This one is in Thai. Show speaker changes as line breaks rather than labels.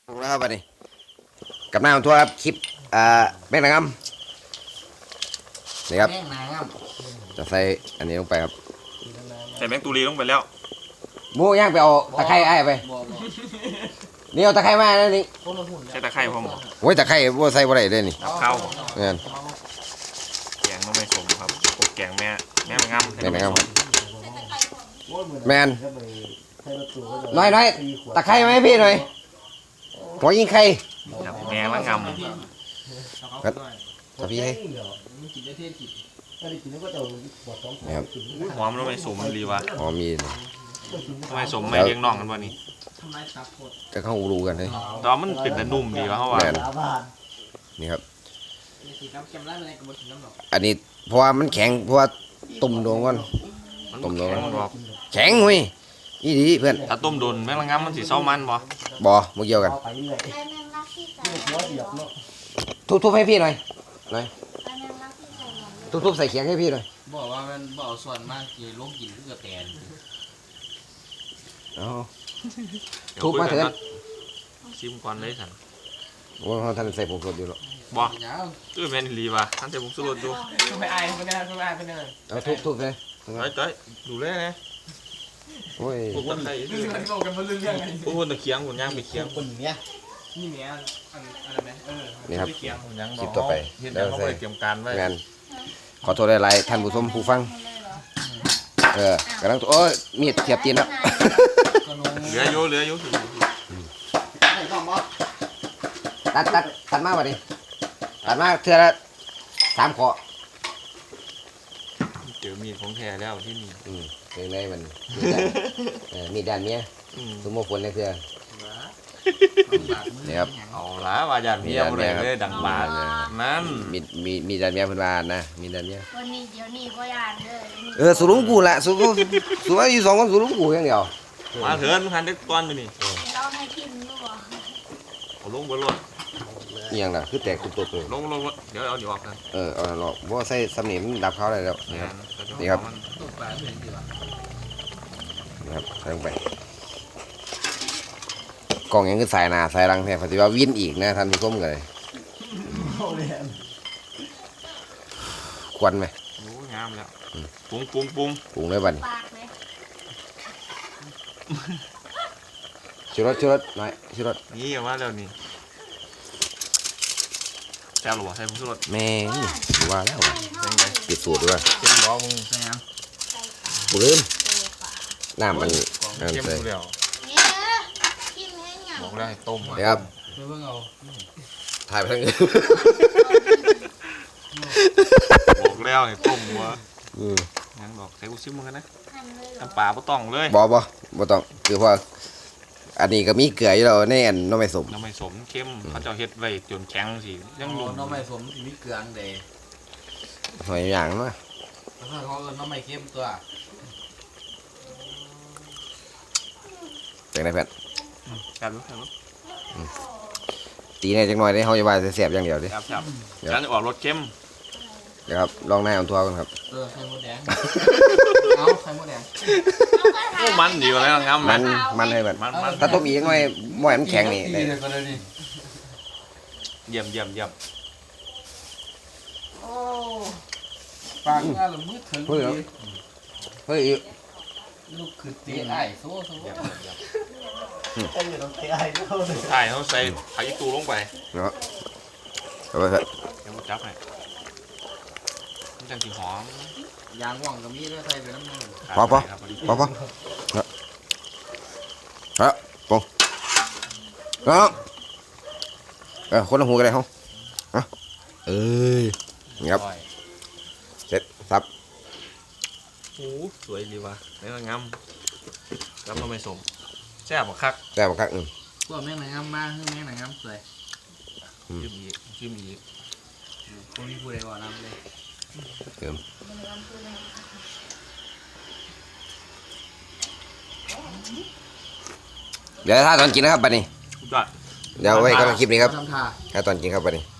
แล้วครับวันนี้กับหน้าของทัวร์ครับคลิปแม่งนะครับนี่ครับจะใส่อันนี้ลงไปครับ
ใส่แมงตูรีลงไปแล้ว
หมูย่างไปเอาตะไคร้ไอ้ไปนี่เอาตะไคร้มาแล้วนี่
ใส่ตะไคร้พร้อม
โอ้ยตะไคร้บัวใส่บ่ได้เลยนี่
ข้าว
เงี้ย
แกงน้องไม่สมครับแกงแม่งาม
แม่งนะครับแมนน้อยตะไคร้ไหมพี่หน่อยหัวยิงไข่
แม่ละงาม
ครับตะพี่ให้นะครับ
หอมน้องไม่สมดีวะ
อ๋อมี
น้องไม่สมไม่เลี้ยงน้องกันวะนี่
จะเข้ารู้กันเลย
ตอนมันเป็นแต่นุ่มดีวะเขาว่า
นี่ครับอันนี้เพราะว่ามันแข็งเพราะว่าตุ่มโดนก่อนตุ่มโดนแข็งหุ้ยนี่ดีเพื่อน
ถ้าต้มโดนแม่ละงามมันสีเศร้ามัน
บ่เมื่อกี้กันทุบให้พี่หน่อยทุบใส่เขียงให้พี่หน่อย
บอกว่ามันบอกส่วนมากคือโรคกินเพื่อแตน
ทุบมาเถิด
ชิมก่อนเลยสัน
ว่าท่านใส่ผงชูรสอยู่หรอ
บ่แม่นรีว่ะท่านใส่ผงชูรสดู
ไม่อายไม่ได้
เอาทุบเลย
เต้ยดูเลยนะ
โอ้ย
พวกตะไคร้พวกตะเคียงหุ่นย่างไปเคียง
คนเนี้ยนี่เนี้ยอะไรไหม
นี่ครับคลิปต่อไป
แล้วเขาไปเตรียมการไว้
งานขอโทษหลายๆท่านผู้ชมผู้ฟังกำลังโอ้ยมีดเทียบตีนแล้ว
เหลืออยู่
ตัดมาบ่ดิตัดมาเทื่อละ3 ข้อ
เจอมีดของแท้แล้วที่นี่
เป็นไงมันมีด้านเมียสมมติฝนในเทื่อนี่ครับ
เอาละว่าญาติเมียบ่ได้เลยดังบาดนั่น
มีด้านเมียเพิ่นว่านะมีด้านเมีย
วันนี้เดี๋ยวนี้ก็ย่านเด้อ
สูรุงกูละสูว่าอยู่2 คนสูรุงกูอย่างเดียว
มาเถินหันเด็กตอนอยู่นี่
เราให้กินรู้บ่
เอาลงบนรถ
นี่ยังน่ะคือแตกตุบๆเลย
ลงเดี๋ยวเอาออกกัน
เอาหรอกบ่ใส่สำนีมันดับเขาได้แล้วนี่ครับใส่ลงไปกล่องยังคือสายหน้าสายหลังแท้ปฏิว่าวินอีกนะท่านผู้ชมเลยควันไหม
โอ้งามแล้วปรุง
เลยบัดนี้ชูรสหน่อยชูรส
นี่ว่าแล้วนี่แซ่บหรอใส่ผงชูรส
แม่ว่าแล้วปิดสูตรด้วย
เค็มร้อนมึงใช่ยัง
กูลืมน้ำมัน
เค็มกูแล้วบอกแล้วให้ต้ม
เดี๋ยวครับถ่ายไปทั้ง
บอกแล้วให้ต้มวัวยังบอกใส่กูซิมมึงกันนะน้ำปลาบ่ต้องเลย
บ่ต้องคือเพราะอันนี้ก็มีเกลืออยู่แล้วในอันน้ำไม่สม
เข้มเขาจะเฮ็ดไว้จนแข็งสิยังหนุ่ม
น้ำไม่สมมีเกลือเดย์
หอยอย่างมั้ย
เขาน้ำไม่เข้มตัว
จากไหนแพท
ครับ
ตีในจังหน่อยได้เขาจะว่าเสียบอย่างเดียวดิ
ครับฉันจะออกรสเข้ม
เดี๋ยวครับลองหน้าของทัวร์กันครับ
ไข่มดแดงเอาไข่มดแดง
มันดีกว่าแล้วครับ
มันให้มันถ้าต้มอีกหน่อยหม้อมันแข็งนี่
เยี่ยม
โอ้ปากงานหรือมืดถึง
เฮ้ย
ลูกคือตีไอ้โซ่
ถ่ายเขาใส่ผักอีตูลงไป
เนาะเอาไปเถอะ
เดี๋ยวจับให้มันจังสีหอม
ยางว่างกับมีด้วยใส่ไปน้ำมัน
พอฮะปงเนาะคนละหูกันเลยเขานี่ครับเสร็จซับ
โอ้สวยดีว่ะนี่ก็งามแล้วเราไม่สมแซ่บคัก
พวกแม่งไหนงามมากแม่งไหนงามสวย
ชิมอีก
คนที่พูดอะไรก่อนน้ำเลย
เดี๋ยวถ้าตอนกินนะครับบัดนี้เดี๋ยวไว้ก็คลิปนี้ครับถ้าตอนกินครับบัดนี้